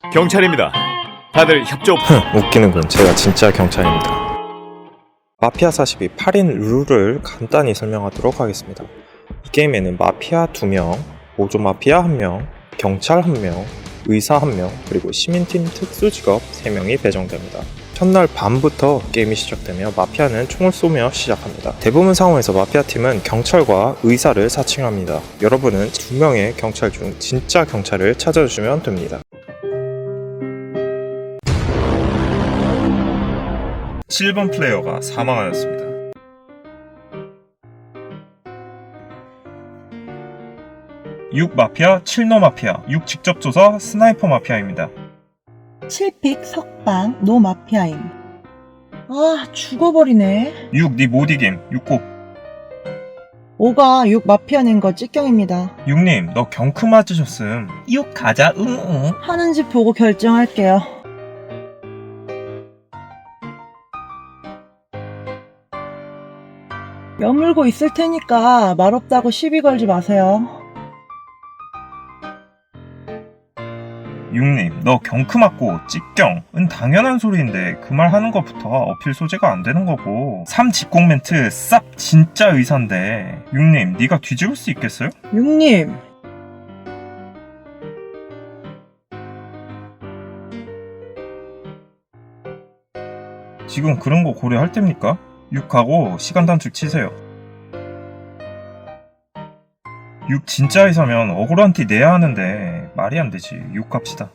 경찰입니다. 다들 협조. 웃기는군. 제가 진짜 경찰입니다. 마피아 42 8인 룰을 간단히 설명하도록 하겠습니다. 이 게임에는 마피아 2명, 보조 마피아 1명, 경찰 1명, 의사 1명, 그리고 시민팀 특수직업 3명이 배정됩니다. 첫날 밤부터 게임이 시작되며 마피아는 총을 쏘며 시작합니다. 대부분 상황에서 마피아팀은 경찰과 의사를 사칭합니다. 여러분은 2명의 경찰 중 진짜 경찰을 찾아주시면 됩니다. 7번 플레이어가 사망하였습니다. 6 마피아, 7노 마피아, 6 직접 조사, 스나이퍼 마피아입니다. 7픽 석방 노 마피아임. 아 죽어버리네. 6 니 못이김, 6고. 5가 6 마피아 낸 거 찍경입니다. 6님 너 경크 맞으셨음. 6 가자 응응. 하는지 보고 결정할게요. 여물고 있을 테니까 말없다고 시비 걸지 마세요. 6님 너 경크 맞고 찍경은 당연한 소리인데 그 말 하는 것부터 어필 소재가 안 되는 거고. 3 직공 멘트 쌉 진짜 의사인데 6님 니가 뒤집을 수 있겠어요? 6님 지금 그런 거 고려할 때입니까? 6하고 시간 단축 치세요. 6 진짜 의사면 억울한 티 내야 하는데 말이 안 되지. 6 갑시다.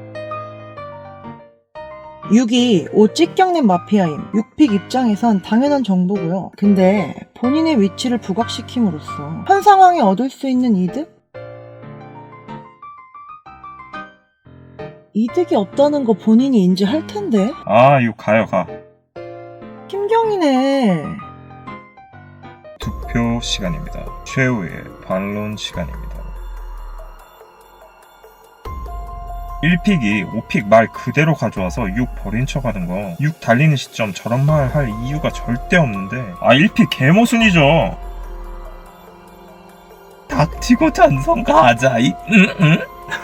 6이 5 찍경낸 마피아임. 6픽 입장에선 당연한 정보고요. 근데 본인의 위치를 부각시킴으로써 현 상황에 얻을 수 있는 이득이 없다는 거 본인이 인지할 텐데. 아 6 가요 가. 김경이네. 투표 시간입니다. 최후의 반론 시간입니다. 1픽이 5픽 말 그대로 가져와서 6 버린 척 하는 거. 6 달리는 시점 저런 말 할 이유가 절대 없는데. 아 1픽 개모순이죠. 닥치고 찬성 가자 이 응응.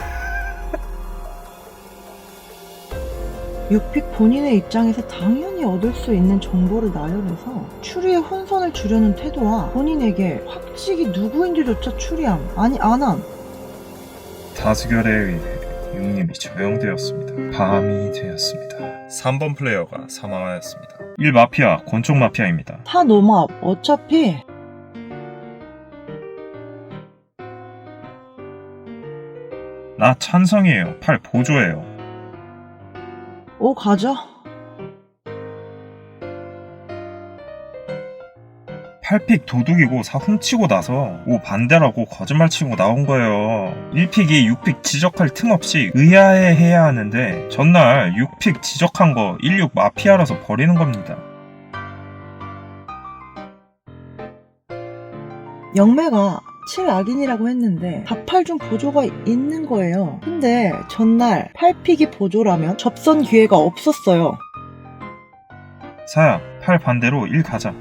6픽 본인의 입장에서 당연히 얻을 수 있는 정보를 나열해서 추리의 혼선을 주려는 태도와 본인에게 확직이 누구인지조차 추리함, 아니 안함. 다수결에 의해 6님이 처형되었습니다. 밤이 되었습니다. 3번 플레이어가 사망하였습니다. 1 마피아, 권총 마피아입니다. 타 노맙, 어차피 나 찬성이에요. 8 보조예요. 5 가자. 8픽 도둑이고 4 훔치고 나서 5 반대라고 거짓말 치고 나온 거예요. 1픽이 6픽 지적할 틈 없이 의아해해야 하는데 전날 6픽 지적한 거 16 마피아라서 버리는 겁니다. 영매가 7 악인이라고 했는데 4, 8 중 보조가 있는 거예요. 근데 전날 8픽이 보조라면 접선 기회가 없었어요. 사야 8 반대로 1 가자.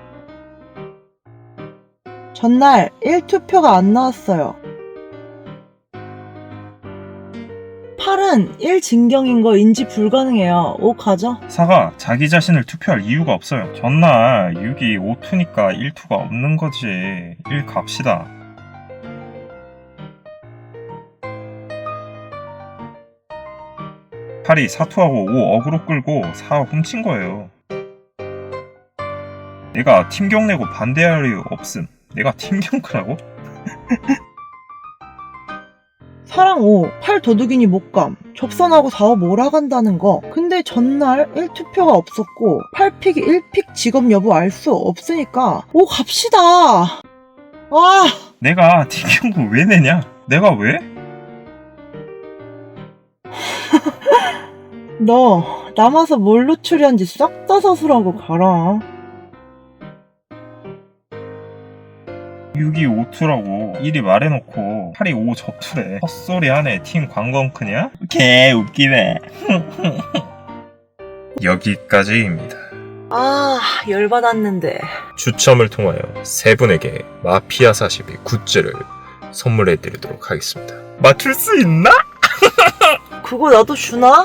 전날 1투표가 안 나왔어요. 8은 1진경인 거 인지 불가능해요. 5 가자. 사가 자기 자신을 투표할 이유가 없어요. 전날 6이 5투니까 1투가 없는 거지. 1 갑시다. 팔이 4투하고 5 어그로 끌고 4 훔친 거예요. 내가 팀경 내고 반대할 이유 없음. 내가 팀경크라고? 사랑 5, 8 도둑이니 못감. 접선하고 4, 5 몰아간다는 거. 근데 전날 1투표가 없었고 8픽이 1픽 직업 여부 알 수 없으니까 5 갑시다. 아, 내가 팀경크 왜 내냐? 내가 왜? 너 남아서 뭘로 추리한지 싹 다 서술하고 가라. 6이 5투라고 1이 말해놓고 8이 5 접투래. 헛소리 하네. 팀 관광크냐? 개 웃기네. 여기까지입니다. 아, 열받았는데. 추첨을 통하여 세 분에게 마피아 42 굿즈를 선물해드리도록 하겠습니다. 맞출 수 있나? 그거 나도 주나?